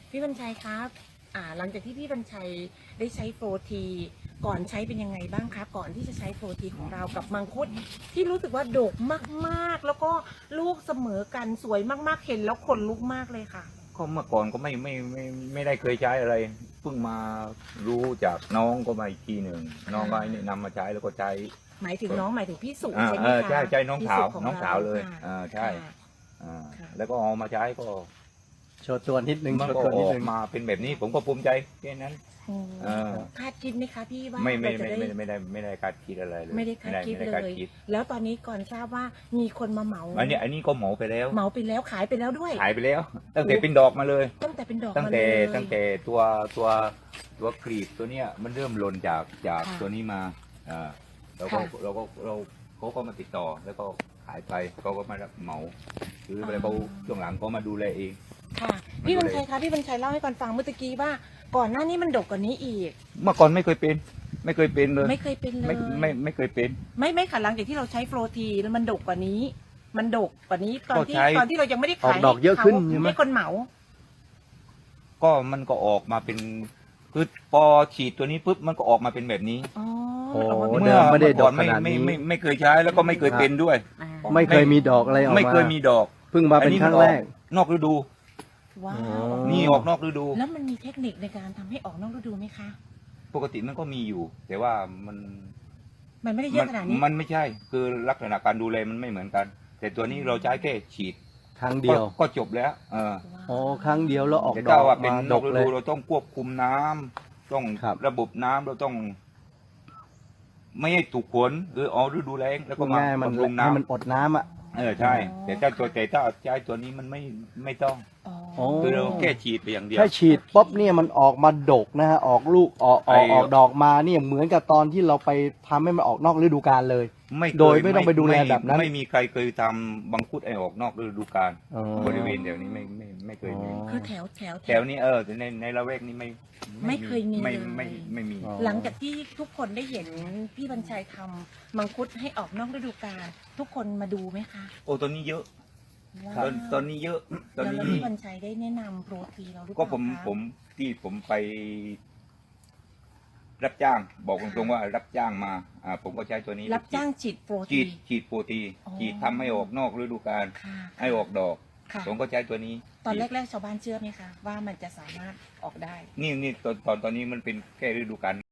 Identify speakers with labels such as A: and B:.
A: พี่บรรชัยครับหลังจากที่พี่บรรชัยได้ใช้โฟทีก่อนใช้เป็นยังไงบ้างครับก่อนที่จะใช้โฟทีของเรากับมังคุดที่รู้สึกว่าดกมากๆแล้วก็ลูกเสมอกันสวยมากๆเห็นแล้วขนลุกมากเลยค่ะ
B: ก็เมื่อก่อนก็ไม่ได้เคยใช้อะไรเพิ่งมารู้จากน้องก็มาอีกทีหนึ่งน้องก็แนะนำมาใช้แล้วก็ใช้
A: หมายถึงน้องหมายถึงพี่สุใช่ไหมคะ
B: ใช่น้องสาว
A: พี่สุข
B: น้องสาวเลย
A: ค่ะ
B: ใช่
A: ค่ะ
B: แล้วก็เอามาใช้ก็
C: โชว์ตัวนิดนึง
B: มัน
C: โชว์
B: ก็
C: ตัว
B: อ
C: นิด
B: อก
C: นึง
B: มาเป็นแบบนี้ผมก็ภูมิใจแค่นั้น
A: อืม
B: เออ
A: คาดคิดไหมคะพี่ว่า
B: ไม่
A: เราจะได้
B: ไม่ได้คาดคิดอะไรเลย
A: ไม่ได้คาดคิด
B: ไม่
A: เล
B: ไคาด
A: ย
B: คิด
A: แล้วตอนนี้ก่อนทราบว่ามีคนมาเหมา
B: อันนี้ก็เหมาไปแล้ว
A: เหมาไปแล้วขายไปแล้วด้วย
B: ขายไปแล้ว ตั้งแต่เป็นดอกมาเลย
A: ตั้งแต่เป็นดอก
B: ตั้ง
A: มา
B: แต่
A: เลย
B: ตั้งแต่ตัวกรีบตัวเนี้ยมันเริ่มหล่นจาก
A: ค่ะ
B: ตัวนี้มาเราก็
A: ค่ะ
B: เขาก็มาติดต่อแล้วก็ขายไปเขาก็มารับเหมาหรืออะไรเขาช่วงหลังเขามาดูแลเอง
A: ค่ะพี่บรรชัยคะพี่บรรชัยเล่าให้ก่อนฟังเมื่อกี้ว่าก่อนหน้านี้มันดกกว่านี้อีก
B: เมื่อก่อนไม่เคยเป็นเลย
A: ไม่เคยเป็นเลย
B: ไม่เคยเป็น
A: ไม่ค่ะหลังจากที่เราใช้โฟลทีแล้วมันดกกว่านี้ มันดกกว่านี้ตอนที่
B: ก็ใช้
A: ตอนที่เรายังไม่ได้
C: ออ
A: ขาก ย
C: ดอกเยอะขึ้นใช่ไหม
A: ให้คนเหมา
B: ก็มันก็ออกมาเป็นคือพอฉีดตัวนี้ปุ๊บมันก็ออกมาเป็นแบบนี้
A: อ๋อ
C: โอ้
A: ออกมาเป็น
C: เดิมไม่ได้ดอก
B: เมื่
C: ขนาดนี้
B: ไม่เคยใช้แล้วก็ไม่เคยเป็นด้วย
A: อ่า
C: ไม่เคยมีดอกอะไรออกมา
B: ไม่เคยมีดอก
C: เพิ่งมาเป็นครั้งแรก
B: นอกฤดู
A: ว้าว
C: อ๋อ
B: นี่ออกนอกฤดู
A: แล้วมันมีเทคนิคในการทำให้ออกนอกฤดูไหมคะ
B: ปกติมันก็มีอยู่ แต่ว่ามัน
A: มันไม่ได้เยอะขนาดนี้
B: มันไม่ใช่ คือลักษณะการดูแลมันไม่เหมือนกัน แต่ตัวนี้เราใช้แค่ฉีด
C: ครั้งเดียว
B: ก็จบแล้ว
C: อ๋อครั้งเดียวแล้วออก
B: แต่
C: ด
B: ถ้า
C: อก
B: ว่าเป็น
C: มาน ด
B: อก
C: ก
B: ฤ
C: เล
B: ดู
C: ย
B: เราต้องควบคุมน้ำต้อง
C: ครับ
B: ระบบน้ำเราต้อง ไม่ให้ถูกฝนหรือเอาฤดูแล้งแล้วก็มา
C: ง่ายๆมัน
B: บำรุง
C: ให้มัน
B: น้ำ
C: อดน้ำอ่ะ
B: ใช่ แต่ถ้าใช้ตัวนี้มันไม่ต้อง
A: อ๋อ
C: อ๋อ
B: คือเราแค่ฉีดไปอย่างเดียว
C: ถ้าฉีดปุ๊บเนี่ยมันออกมาดกนะฮะออกลูกออก
B: ไอ้
C: ดอกมาเนี่ยเหมือนกับตอนที่เราไปทำให้มันออกนอกฤดูกาลเลย
B: ไม่เคย
C: โดยไม่ต้องไปดูแลแบบนั้น
B: ไม่มีใครเคยทำบังคุดไอออกนอกฤดูกาล
C: อ๋อบ
B: ริเวณแถวนี้ไม่เคยมี
C: อ๋อ
A: คือแถว
B: แถวนี้แต่ในละแวกนี้ไม่
A: ไม่เคยมี
B: ไม่
A: เลย
B: ไม่มี
C: อ๋อ
A: หลังจากที่ทุกคนได้เห็นพี่บรรชัยทำมังคุดให้ออกนอกฤดูกาลทุกคนมาดูไหมคะ
B: โอ้ตอนนี้เยอะ
A: ว้าว
B: ตอนนี้เยอะตอน
A: แล้ว
B: นี้
A: พี่บรรชัยได้แนะนำโปรตีเราหรือเป
B: ก็
A: ล่า
B: ผม
A: คะ
B: ผมไป รับจ้าง บอกตรงๆว่ารับจ้างมาผมก็ใช้ตัวนี้
A: รับจ้างฉีดโปร
B: ฉี
A: ตี
B: ดโปรตี
A: อ๋อ
B: ฉีดทำให้ออกนอกฤดูกาล
A: ค่ะ
B: ให้ออกดอก
A: ค่ะ
B: ผมก็ใช้ตัวนี้
A: ตอนแรกๆชาวบ้านเชื่อไหมคะว่ามันจะสามารถออกได้
B: นี่ตอนนี้มันเป็นแค่ฤดูกาล